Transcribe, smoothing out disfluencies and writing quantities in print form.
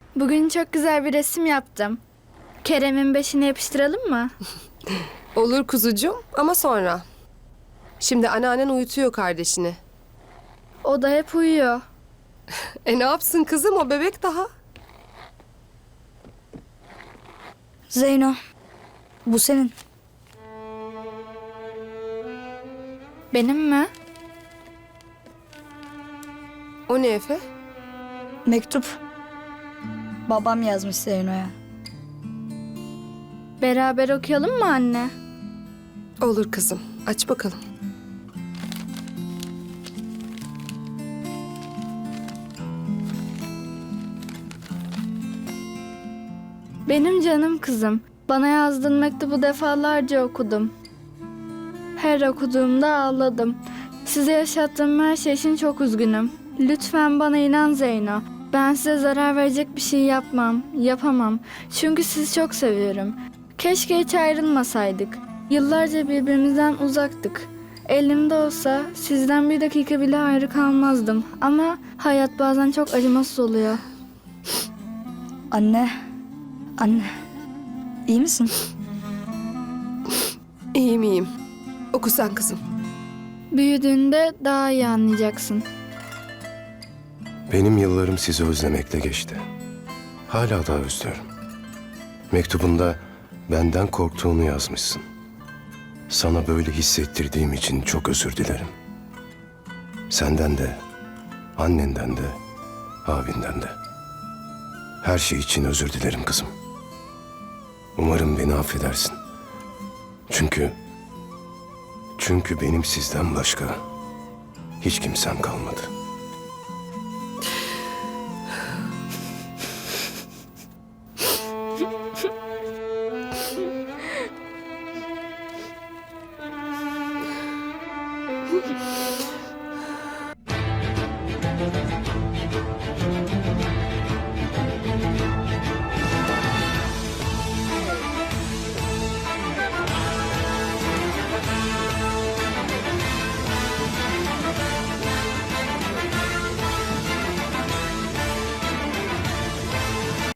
Bugün çok güzel bir resim yaptım. Kerem'in beşini yapıştıralım mı? Olur kuzucuğum ama sonra. Şimdi anneannen uyutuyor kardeşini. O da hep uyuyor. Ne yapsın kızım, o bebek daha. Zeyno, bu senin. Benim mi? O ne Efe? Mektup. Babam yazmış Zeyno'ya. Beraber okuyalım mı anne? Olur kızım, aç bakalım. Benim canım kızım. Bana yazdığın mektubu defalarca okudum. Her okuduğumda ağladım. Size yaşattığım her şey için çok üzgünüm. Lütfen bana inan Zeyno. Ben size zarar verecek bir şey yapmam, yapamam. Çünkü sizi çok seviyorum. Keşke hiç ayrılmasaydık. Yıllarca birbirimizden uzaktık. Elimde olsa sizden bir dakika bile ayrı kalmazdım. Ama hayat bazen çok acımasız oluyor. Anne, anne. İyi misin? İyiyim iyiyim. Oku sen kızım. Büyüdüğünde daha iyi anlayacaksın. Benim yıllarım sizi özlemekle geçti. Hala da özlüyorum. Mektubunda benden korktuğunu yazmışsın. Sana böyle hissettirdiğim için çok özür dilerim. Senden de, annenden de, abinden de. Her şey için özür dilerim kızım. Umarım beni affedersin. Çünkü benim sizden başka hiç kimsem kalmadı.